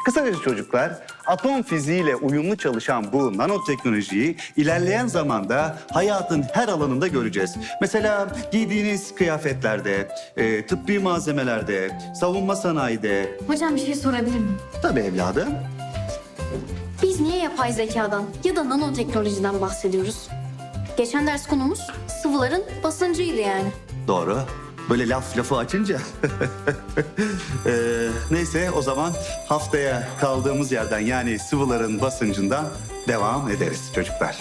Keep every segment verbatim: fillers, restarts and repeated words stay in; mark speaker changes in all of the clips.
Speaker 1: Kısaca çocuklar, atom fiziğiyle uyumlu çalışan bu nanoteknolojiyi ilerleyen zamanda hayatın her alanında göreceğiz. Mesela giydiğiniz kıyafetlerde, e, tıbbi malzemelerde, savunma sanayide.
Speaker 2: Hocam bir şey sorabilir miyim?
Speaker 1: Tabii evladım.
Speaker 2: Biz niye yapay zekadan ya da nanoteknolojiden bahsediyoruz? Geçen ders konumuz sıvıların basıncıydı yani.
Speaker 1: Doğru. Böyle laf lafı açınca. Ee, neyse o zaman haftaya kaldığımız yerden yani sıvıların basıncından devam ederiz çocuklar.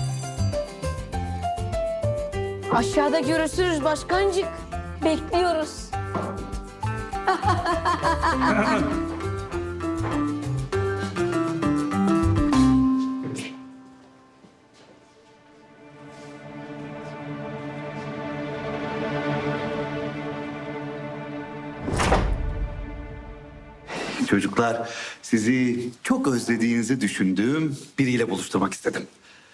Speaker 3: Aşağıda görüşürüz başkancık. Bekliyoruz.
Speaker 1: Çocuklar sizi çok özlediğinizi düşündüğüm biriyle buluşturmak istedim.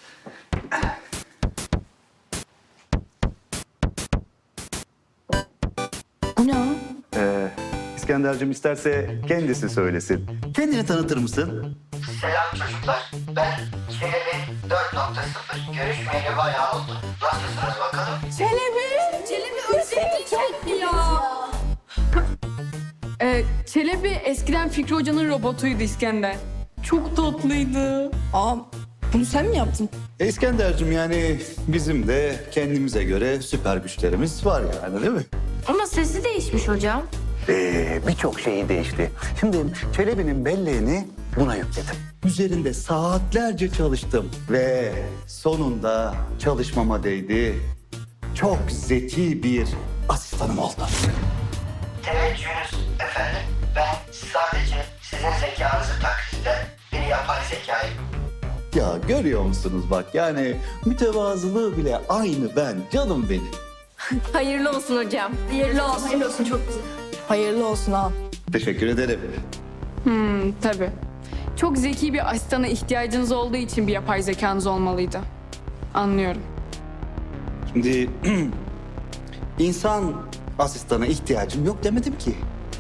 Speaker 3: Bu ne o?
Speaker 1: Ee, İskender'cim isterse kendisi söylesin. Kendini tanıtır mısın?
Speaker 4: Selam çocuklar. Ben Çelebi dört nokta sıfır. Görüşmeyeli bayağı oldu. Nasılsınız bakalım?
Speaker 3: Çelebi. Çelebi özledik ya.
Speaker 5: Ee, Çelebi eskiden Fikri Hoca'nın robotuydu İskender. Çok tatlıydı.
Speaker 3: Aa, bunu sen mi yaptın?
Speaker 1: E, İskender'cim yani bizim de kendimize göre süper güçlerimiz var yani değil mi?
Speaker 2: Ama sesi değişmiş hocam.
Speaker 1: Ee, birçok şeyi değişti. Şimdi Çelebi'nin belleğini buna yükledim. Üzerinde saatlerce çalıştım ve sonunda çalışmama değdi. Çok zeki bir asistanım oldu.
Speaker 4: Teveccühünüz efendim. Ben sadece sizin zekanızı taklit eden bir yapay zekayım.
Speaker 1: Ya görüyor musunuz bak yani mütevazılığı bile aynı ben, canım benim.
Speaker 3: Hayırlı olsun hocam. Hayırlı olsun.
Speaker 2: Hayırlı olsun, çok güzel.
Speaker 3: Hayırlı olsun ha.
Speaker 1: Teşekkür ederim.
Speaker 5: Hmm, tabii. Çok zeki bir asistana ihtiyacınız olduğu için bir yapay zekanız olmalıydı. Anlıyorum.
Speaker 1: Şimdi insan asistana ihtiyacım yok demedim ki.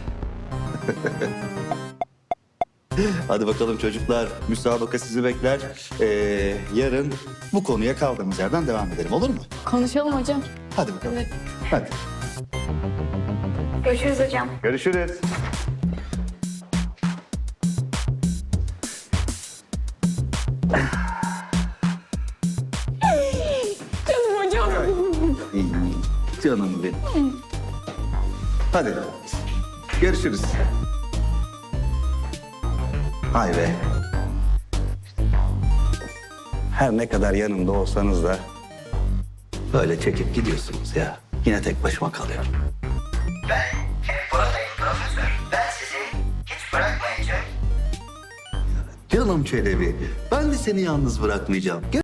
Speaker 1: Hadi bakalım çocuklar, müsabaka sizi bekler. Ee, yarın bu konuya kaldığımız yerden devam edelim, olur mu?
Speaker 5: Konuşalım hocam.
Speaker 1: Hadi bakalım. Hadi.
Speaker 2: Görüşürüz hocam.
Speaker 1: Görüşürüz.
Speaker 3: Canım hocam.
Speaker 1: İyi, canım benim. Hadi. Görüşürüz. Hay be. Her ne kadar yanımda olsanız da böyle çekip gidiyorsunuz ya. Yine tek başıma kalıyorum.
Speaker 4: Ben hep buradayım profesör. Ben sizi hiç bırakmayacağım.
Speaker 1: Canım Çelebi, ben de seni yalnız bırakmayacağım. Gel